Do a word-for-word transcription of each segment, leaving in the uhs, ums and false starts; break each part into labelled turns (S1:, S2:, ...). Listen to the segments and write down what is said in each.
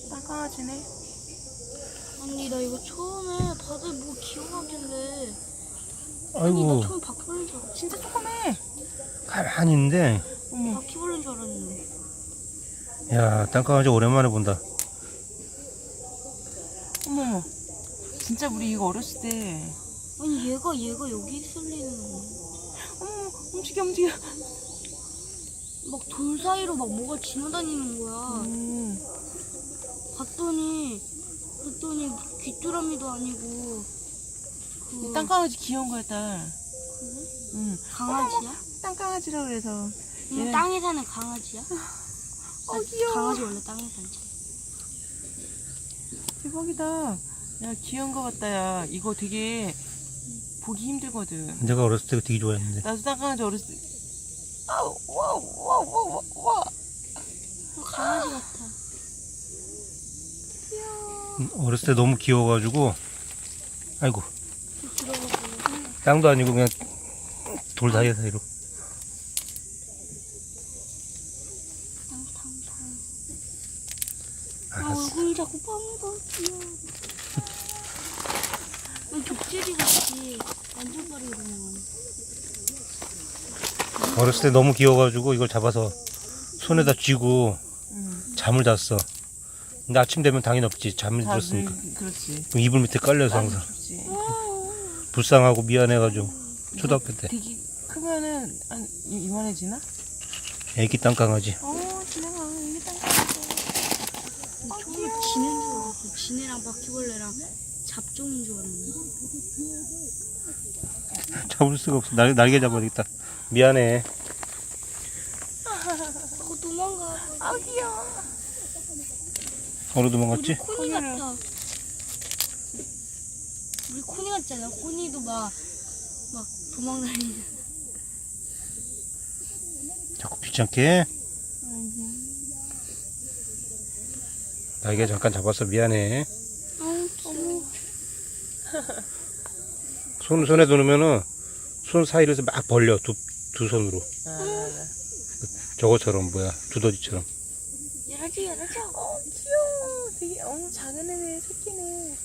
S1: 땅강아지네.
S2: 아니 나 이거 처음에 다들 뭐 기억하길래 아니
S3: 아이고,
S2: 나 처음 바퀴벌레인 줄 알았어.
S1: 진짜 조그매.
S3: 가만히 있는데.
S1: 어머.
S2: 바퀴벌레인 줄 알았는데.
S3: 야, 땅강아지 오랜만에 본다.
S1: 어머머. 진짜 우리 이거 어렸을 때.
S2: 아니 얘가 얘가 여기 있을 리는
S1: 어머, 움직여, 움직여.
S2: 막 돌 사이로 막 뭐가 지나다니는 거야.
S1: 음.
S2: 봤더니 봤더니 귀뚜라미도 아니고 그
S1: 이 땅강아지 귀여운 거였다.
S2: 그래?
S1: 응.
S2: 강아지야?
S1: 땅강아지라 그래서.
S2: 이거
S1: 얘는-
S2: 땅에 사는 강아지야?
S1: 어,
S2: 아,
S1: 귀여워.
S2: 강아지 원래 땅에 살지.
S1: 대박이다. 야, 귀여운 거 같다, 야. 이거 되게 보기 힘들거든.
S3: 내가 어렸을 때 되게 좋아했는데.
S1: 나도 땅강아지 어렸을 때. 아우, 와우, 와우, 와우, 와우, 와.
S2: 어, 강아지 같아.
S1: 귀여워.
S3: 음, 어렸을 때 너무 귀여워가지고. 아이고,
S2: 들어가고
S3: 땅도 아니고 그냥 돌 사이 사이로.
S2: 탕탕탕. 아
S3: 알았어.
S2: 얼굴이 자꾸 빵가 귀여워. 난 족제비 같이 완전 빠르게 넘어가네.
S3: 어렸을 때 너무 귀여워가지고 이걸 잡아서 손에다 쥐고
S1: 응.
S3: 잠을 잤어. 근데 아침 되면 당연히 없지. 잠이
S1: 다
S3: 들었으니까.
S1: 늘- 그렇지.
S3: 그럼 이불 밑에 깔려서 항상.
S1: 춥지.
S3: 불쌍하고 미안해가지고. 초등학교 때.
S1: 되게 크면은 한 이- 이만해지나?
S3: 애기 땅강아지.
S1: 어, 지나가. 이게 땅강아지.
S2: 처음에 지는 줄 알았어. 지네랑 바퀴벌레랑 잡종인 줄 알았네.
S3: 잡을 수가 없어. 날, 날개 잡아야겠다. 미안해.
S2: 어 도망가.
S1: 아, 귀여워.
S3: 어느
S2: 우리
S3: 도망갔지?
S2: 코니
S1: 코니를.
S2: 같아. 우리 코니 같잖아. 코니도 막 막 도망다니잖아.
S3: 자꾸 귀찮게. 날개 잠깐 잡았어. 미안해.
S2: 아우 귀여워.
S3: 손, 손에 두면은 손 사이로 해서 막 벌려. 두, 두 손으로.
S1: 아,
S3: 저거처럼, 뭐야. 두더지처럼.
S2: 열어줘 열어줘.
S1: 어, 귀여워. 되게, 어, 작은 애네, 새끼네.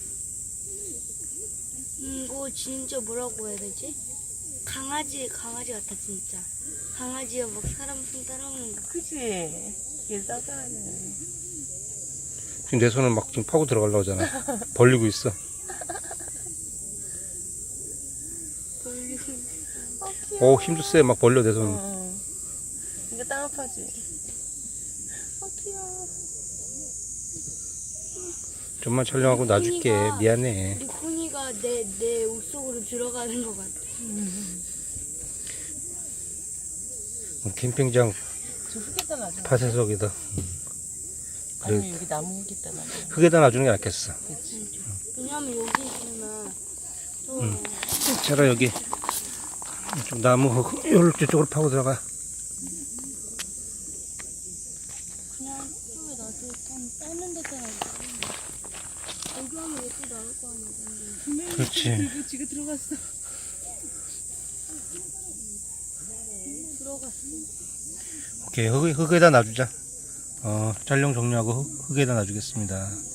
S2: 음, 이거 진짜 뭐라고 해야 되지? 강아지 강아지 같아 진짜. 강아지가 막 사람 손 따라오는 거.
S1: 그치? 얘 따가하네.
S3: 지금 내 손을 막 지금 파고 들어가려고 하잖아. 벌리고 있어.
S2: 벌리고.
S1: 어, 귀여워.
S3: 오, 힘도 세. 막 벌려, 내
S1: 어,
S3: 손.
S1: 어. 이거 땅 아파지? 어, 귀여워.
S3: 좀만 촬영하고 놔줄게.
S2: 코니가-
S3: 미안해.
S2: 우리 코니가 내 내 옷 속으로 들어가는 것 같아.
S3: 캠핑장
S1: 저 흙에다 놔줘.
S3: 파쇄석이다. 그래,
S1: 아니면 여기 나무 흙에다 놔줘.
S3: 흙에다 놔주는 게 낫겠어.
S1: 그치?
S2: 왜냐면 여기 있으면 또
S3: 응. 차라 여기 좀 나무 흙, 요럴 쪽으로 파고 들어가.
S2: 그냥 이쪽에 놔도 좀 빼는 데다 놔도 여기 하면 얘도 나올 거 아니야. 근데.
S3: 그렇지.
S1: 이거 지금 들어갔어.
S2: 들어갔어.
S3: 오케이, 흙, 흙에다 놔주자. 어, 촬영 종료하고 흙, 흙에다 놔주겠습니다.